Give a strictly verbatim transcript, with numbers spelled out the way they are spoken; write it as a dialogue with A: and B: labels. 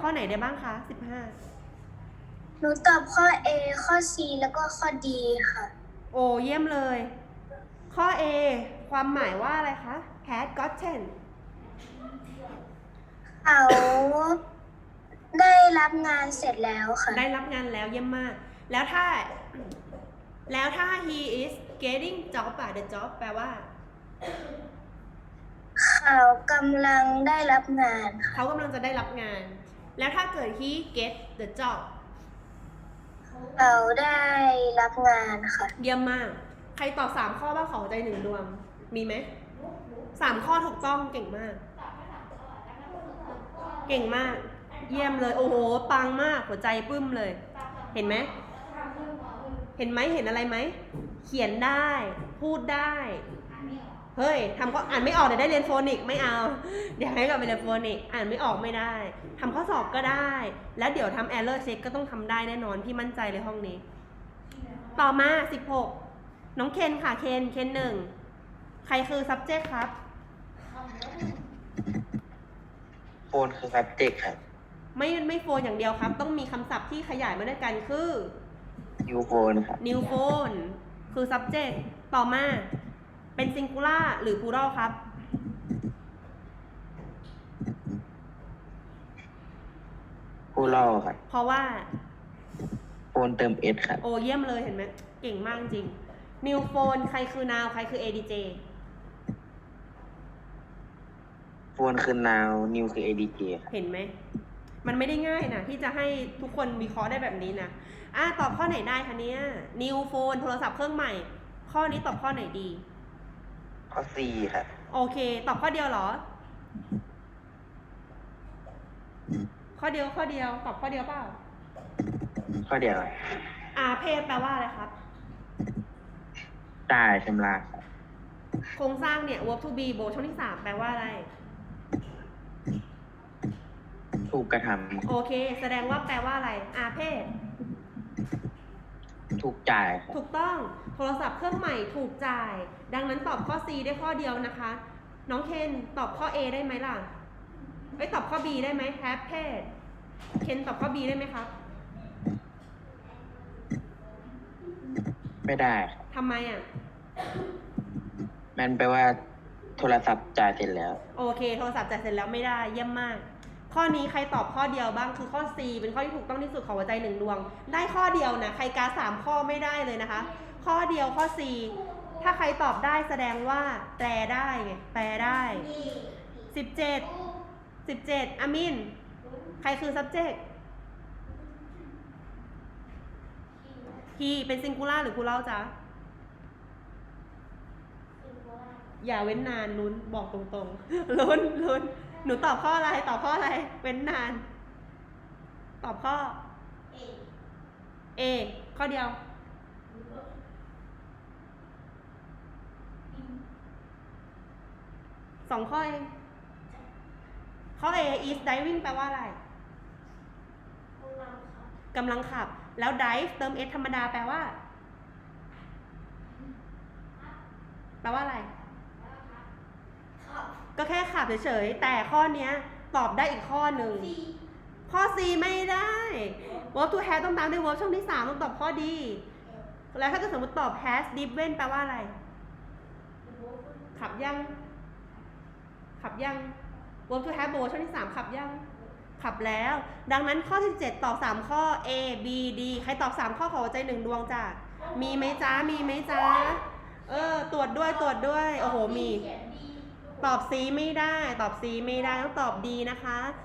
A: ข้อไหนได้บ้างคะสิบห้า
B: หนูตอบข้อ A ข้อ C แล้วก็ข้อ D ค่ะ
A: โอ้เยี่ยมเลย ข้อ A ความหมายว่าอะไรคะ had gotten
B: เขาได้รับงานเสร็จแล้วค่ะ
A: ได้รับงานแล้วเยี่ยมมาก แล้วถ้า แล้วถ้า he is getting job อะ the job แปลว่า
B: เขากำลังได้รับงานค่ะ
A: เขากำลังจะได้รับงาน แล้วถ้าเกิด he get the job
B: เขาได้รับงานค่ะ
A: เยี่ยมมาก ใครตอบสามข้อบ้างขอใจหนึ่งดวง มีไหม สามข้อถูกต้องเก่งมาก เก่งมาก เยี่ยมเลย โอ้โห ปังมาก หัวใจปึ้มเลย เห็นไหม เห็นไหม เห็นอะไรไหม เขียนได้ พูดได้ เฮ้ยทำก็อ่านไม่ออกเดี๋ยวได้เรียนโฟนิกไม่เอา เดี๋ยวให้กลับไปเรียนโฟนิกอ่านไม่ออกไม่ได้ทำข้อสอบก็ได้ แล้วเดี๋ยวทำ error check ก็ต้องทำได้แน่นอน พี่มั่นใจเลยห้องนี้ ต่อมาสิบหกน้องเคนค่ะ เคน เคนหนึ่ง ใครคือ subject ครับ
C: โฟนคือ subject ครับ
A: ไม่ไม่โฟนอย่างเดียวครับ ต้องมีคำศัพท์ที่ขยายมาด้วยกันคือ
C: new phone ครับ
A: new phone คือ subject ต่อมาเป็น singular หรือ plural ครับ
C: ผู้เล่าครับ
A: เพราะว่า
C: โฟนเติม s ครับ
A: โอ้เยี่ยมเลยเห็นไหมเก่งมากจริง new phone ใครคือ now ใครคือ เอ ดี เจ
C: โฟนคือ now new คือ adj ครับ
A: เห็นไหม มันไม่ได้ง่ายนะที่จะให้ทุกคนวิเคราะห์ได้แบบนี้นะอ่ะตอบข้อไหนได้คะเนี่ย new phone โทรศัพท์เครื่องใหม่ ข้อนี้ตอบข้อไหนดี
C: ข้อ c ครับ
A: โอเค ตอบข้อเดียวเหรอ ข้อเดียวข้อเดียว ตอบข้อเดียวเปล่า
C: ข้อเดียว
A: อาเพศแปลว่าอะไรครับ
C: จ่ายชำระครับ
A: โครงสร้างเนี่ย verb to be โบช่องที่สามแปลว่าอะไร
C: ถูกกระท
A: โอเค แสดงว่าแปลว่าอะไร อาเพศ
C: ำถูกจ่ายครับ
A: ถูกต้อง โทรศัพท์เครื่องใหม่ถูกจ่าย ดังนั้นตอบข้อ C ได้ข้อเดียวนะคะ น้องเคนตอบข้อ A ได้ไหมล่ะเอ้ยตอบข้อ B ได้ไหม have paid เคนตอบข้อ B ได้ไหมครับ
C: ไม่ได้ครับ
A: ทำไมอ่ะ
C: มันแปลว่าโทรศัพท์จ่ายเสร็จแล้ว
A: โอเค โทรศัพท์จ่ายเสร็จแล้วไม่ได้ เยี่ยมมาก ข้อนี้ใครตอบข้อเดียวบ้าง คือข้อ C เป็นข้อที่ถูกต้องที่สุดของหัวใจหนึ่งดวง ได้ข้อเดียวนะ ใครกาสามข้อไม่ได้เลยนะคะ ข้อเดียวข้อ C ถ้าใครตอบได้แสดงว่าแปลได้ไง แปลได้สิบเจ็ด สิบเจ็ดอามิน ใครคือ subject he เป็น singular หรือ plural จ๊ะ อย่าเว้นนานลุ้นบอกตรงๆ ลุ้นลุ้นหนูตอบข้ออะไร ตอบข้ออะไร เว้นนาน ตอบข้อ A ข้อเดียว สองข้อเองข้อ A is driving แปลว่าอะไรกำลังขับ แล้ว drive เติม s ธรรมดาแปลว่า แปลว่าอะไร ก็แค่ขับเฉยๆ แต่ข้อเนี้ยตอบได้อีกข้อหนึ่ง ข้อ C ไม่ได้ verb to have ต้องตามด้วย verb ช่องที่สามต้องตอบข้อดี แล้วถ้าเกิดสมมติตอบ has driven แปลว่าอะไร ขับยัง ขับยัง verb to have ช่องที่สามขับยัง ขับแล้ว ดังนั้นข้อที่เจ็ดตอบสามข้อ A B D ใครตอบสามข้อขอหัวใจหนึ่งดวงจ้ะ มีไหมจ้า มีไหมจ้า เออ ตรวจด้วย ตรวจด้วย โอ้โห มี ตอบ C ไม่ได้ ตอบ C ไม่ได้ ต้องตอบ D นะคะ